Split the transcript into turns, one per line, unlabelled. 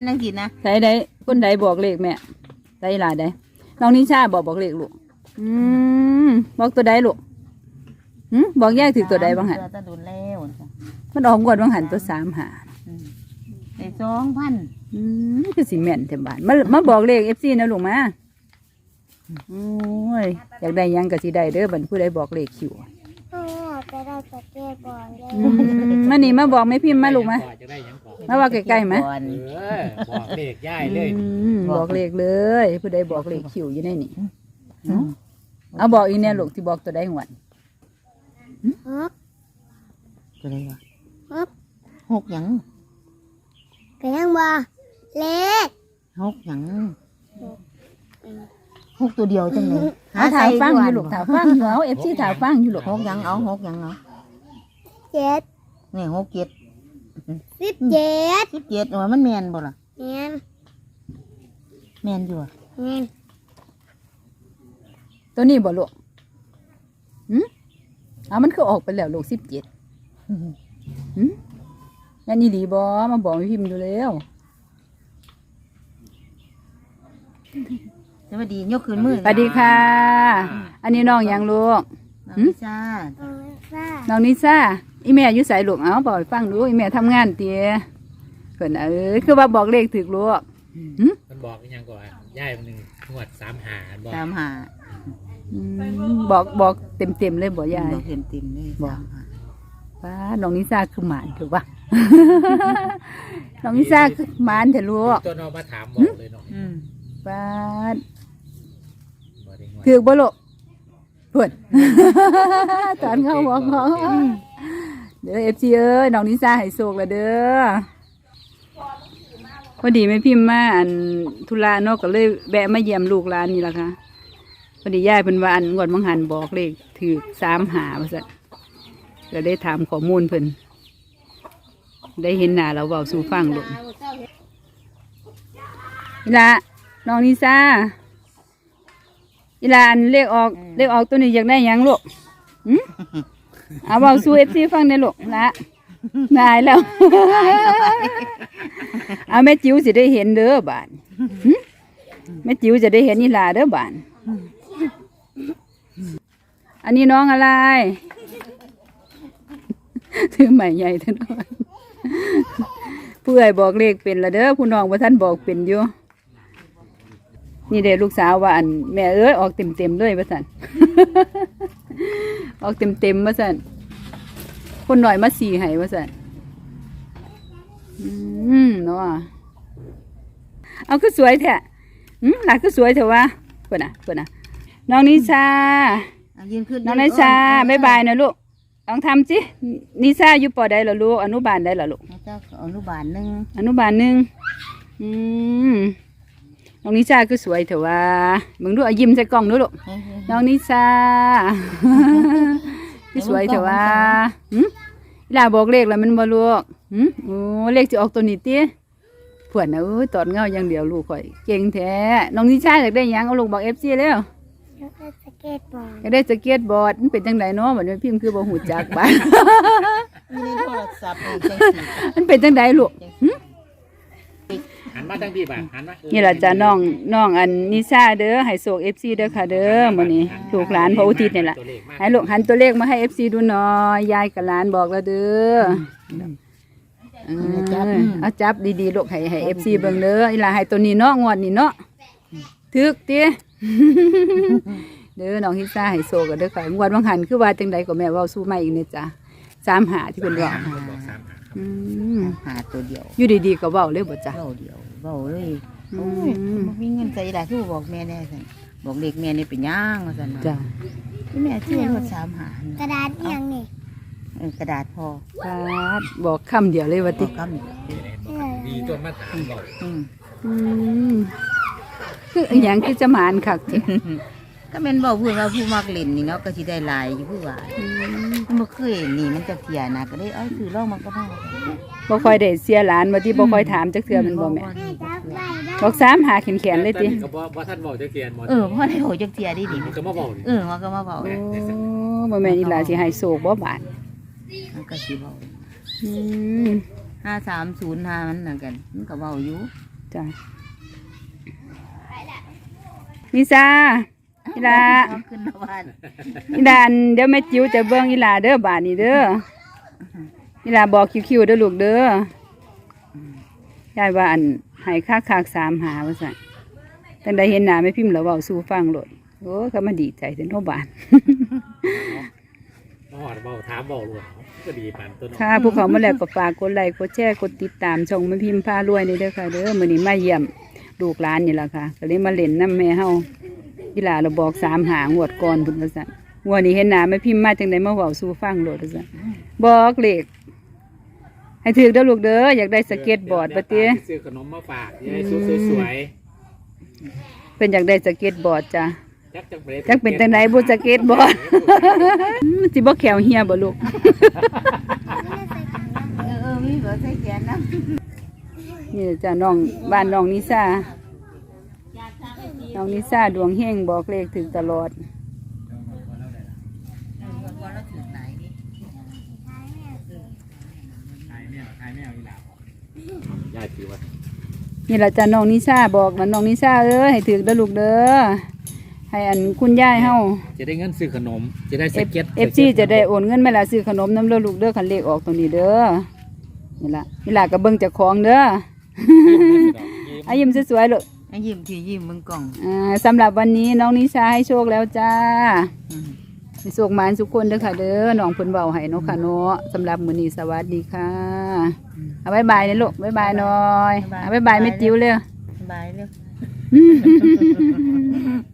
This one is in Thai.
นั่งกินนะ
ใส่ได้คนใดบอกเลขแม่ใส่หลายได้น้องนิชาบอกเลขลูกบอกตัวใดลูกบอกแยกถึงตัวใดบ้างหัน
ตะดุนแล้ว
มันออกก่อนบ้างหันตัว3 หา
ได้2,000
คือสิแม่นเต็มบ้านมาบอกเลข FC นะลูกมาโอ้ยอยากได้ยังก็สิได้เด้อบัดผู้ใดบอกเลขคิว
จะได้สเก็ตบอร์ด
มานี่มาบอกไม่พิมพ์มาลูกมามาว่าใกล้ๆไหม
บอกเลขย่ายเลย
บอกเลขเลยผู้ใดบอกเลขคิวอยู่ในนี่เอาบอกอีเนี่ยลูกที่บอกตัวใดหวน
ตัวใดวะ6หยัง
ก็ยังบ่เล็ก
6หยัง6ตัวเดียวจังเลย
ถามฟังอยู่ลูกถามฟังอยู่เอา FC ถามฟังอยู่ลูก
6หยังเอา6หยังเอา
7
นี่6 7
17
ว่ามันแม่นบ่ล่ะ
แม่น
อยู่อ่ะ
ตัวนี้บ่ลูกมันคือออกไปแล้วลูก17งั้นนี่ดีบ่มาบอกให้พิมพ์ดูแล้ว
สวัสดียกขึ้นมือ
สวัสดีค่ะอันนี้น้องยังลูก
น้องนิชา
น้องนิชาอีแม่อยู่ไสลูกเอาบอกให้ฟังดูอีแม่ทำงานเตี้ยเพิ่นคือว่าบอกเลขถูกลูก
มันบอกยังก่อนย่ายมันงวด3 หาบอก
3 หา
บอกเต็มเลยบ่ยาย
บอกเต็มเลย
บอกป้าน้องนิชาคือหมานถูกป่ะน้องนิชาคือหมานเถอะลูก
ตัวน้องมาถามบอกเลยเนาะ
ป้าถือบ่ลูกเพิ่นตอนเขาบอกเด้อ FC เอ้ยน้องนิชาให้โชคละเด้อพอดีแม่พิมพ์มาธุระเนาะก็เลยแวะมาเยี่ยมลูกหลานนี่ล่ะค่ะพอดียายเพิ่นว่างวดบางหันบอกเลขถือ3 หาว่าซั่นก็ได้ถามข้อมูลเพิ่นได้เห็นหน้าเราเว้าสู่ฟังลูกนี่ล่ะน้องนิชาอีหลานเลขออกตัวนี้อยากได้หยังลูกเอาเว้าสู่ FC ฟังได้ลูกละนายแล้วเอาแม่จิ๋วสิได้เห็นเด้อบานแม่จิ๋วจะได้เห็นอีหลาเด้อบานอันนี้น้องอะไรถือใหม่ใหญ่ท่านผู้ใหญ่บอกเลขเป็นละเด้อผู้น้องว่าท่านบอกเป็นอยู่นี่เด็กลูกสาวว่าแม่เอ้ยออกเต็มด้วยว่าสันออกเต็มว่าสันคนหน่อยมา4 ให้ว่าสันเนาะเอาคือสวยแท้หลักคือสวยเถอะวะเปิดนะน้องนิชาน้องนิชาบ๊ายบายนะลูกลองทำสินิชาอยู่ป.ใดเหรอลูกอนุบาลใดเหรอลูก
อนุบาล 1
น้องนิชาคือสวยเถอะวะมึงดูยิ้มใส่กล้องดูลูกน้องนิชาคือสวยเถอะวะลาบอกเลขแล้วมันบ่ลูกโอ้เลขจะออกตัวนี้ติเพื่อนนะตอดเงาอย่างเดียวลูกข่อยเก่งแท้น้องนิชาอยากได้ยังเอาลูกบอก FC แล้วอยากได้สเก็ตบอร์ดมันเป็นจังไดเนาะบัดนี้พิมพ์คือบ่ฮู้จักบ้าน
มีในโทรศัพท์
มันเป็นจังไดลูก
หันมาทั้งพี่ป่ะหันมา
นี่ล่ะจ้ะน้องนิชาเด้อให้โชค FC เด้อค่ะเด้อมื้อนี้ลูกหลานพระอุทิศนี่ล่ะให้ลูกหันตัวเลขมาให้ FC ดูหน่อยยายกับหลานบอกแล้วเด้อเอาจับดีๆลูกให้ FC เบิ่งเด้ออีหล่าให้ตัวนี้เนาะงวดนี้เนาะถึกติเด้อน้องนิชาให้โชคกันเด้อค่ะงวดบางหันคือว่าจังไดก็แม่เว้าสู่ใหม่อีกนี่จ้ะ3 หาที่เพิ่นบอก
หาตัวเดียว
อยู่ดีๆก็เว้าเลยบ่จ้ะ
เว้าเลยโอ้ยบ่มีเงินใส่ได้คือบอกแม่แน่ซั่นบอกเด็กแม่นี่เป็นย่างว่าซั่น
จ้ะ
แม่ชื่อรถ3 หาก
ระดาษยังนี่
กระดาษพอ
บอกคำเดียวเลยว่าติ
ดีจนมาถามบอก
คือหยังคือจะหมานคักติ
ก็แม่นบอกพูดว่าผู้มักเล่นนี่เนาะก็สิได้หลายอยู่ผู้ว่าบ่เคยนี่มันจะเสียนะก็ได้ซื้อลองมันก็พอ
บ่ค่อยได้เสียหลานว่าที่บ่ค่อยถามจักเทื่อมันบ่แม่บอก3 หาแขนๆเลยติ
ก็บ่ท่านบอกจักเทียน
บ่ได้โหจักเทียดินี่
มันก็มาบอก
ว่าก็มาบอก
บ่แม่นอีหลาสิให้โศกบ่บาด
มันก็สิเว้า530มันนั่นกันมันก็เว้าอยู่
จ้ะนิซาอีหลา
เอาขึ้นมาบ้าน
อีหลาเดี๋ยวแม่จิ๋วจะเบิ่งอีหลาเด้อบาดนี้เด้ออีหลาบอกคิวๆเด้อลูกเด้อยายว่าอันให้คักๆ3หาว่าซั่นตั้งแต่เห็นหน้าแม่พิมพ์แล้วเว้าสู่ฟังโลดโอ้เขามาดีใจเด้อเนาะบาน
มาหอดเบาถามเบาหลวงก็ดีปานตัวน้อง
ค่ะพวกเขามาแล้วก็ฝากกดไลค์กดแชร์กดติดตามช่องแม่พิมพ์พารวยนี่เด้อค่ะเด้อมื้อนี้มาเยี่ยมลูกหลานนี่ล่ะค่ะก็เลยมาเล่นน้ำแม่เฮาอีหลาเราบอก3หางวดก่อนพุ่นว่าซั่นงวดนี้เห็นหน้าแม่พิมพ์มาจังได๋มาเว้าสู่ฟังโลดว่าซั่นบอกเลขให้ถือเด้อลูกเด้ออยากได้สเก็ตบอร์ดบ่ติ
ซื้อขนมมาฝากยายสวย
เป็นอยากได้สเก็ตบอร์ดจ้ะ
ๆจักจัง
จักเป็นจังไดบ่สเก็ตบอร์ด สิบ่แขวเหียบ่ลูก
มีเบอร์ใส่แขนนะ
นี่จ้ะน้องบ้านน้องนิสาน้องนิสาดวงเฮงบอกเลขถึงตลอด
ขายแมวอีหลาบยายถือว่า
นี่แหละจ้ะน้องนิสาบอกมันน้องนิสาเอ้ยให้ถึงเด้อลูกเด้อให้อันคุณยายเฮา
จะได้เงินซื้อขนมจะได้สเก็ต
FC จะได้โอนเงินมาละซื้อขนมน้ำเด้อลูกเด้อคันเลขออกตรงนี้เด้อนี่ล่ะนี่ล่ะก็เบิ่งเจ้าของเด้อ อายิ้มสวยๆลูก
ให้ยิ้มที่ยิ้มมึงกล่อง
สำหรับวันนี้น้องนิชาให้โชคแล้วจ้าให้โชคหมานทุกคนเด้อค่ะเด้อน้องเพิ่นเว้าให้เนาะค่ะเนาะสำหรับมื้อนี้สวัสดีค่ะเอาบ๊ายบายนะลูกบ๊ายบายหน่อยเอาบ๊ายบายแม่จิ๋วเลย
บายเร็ว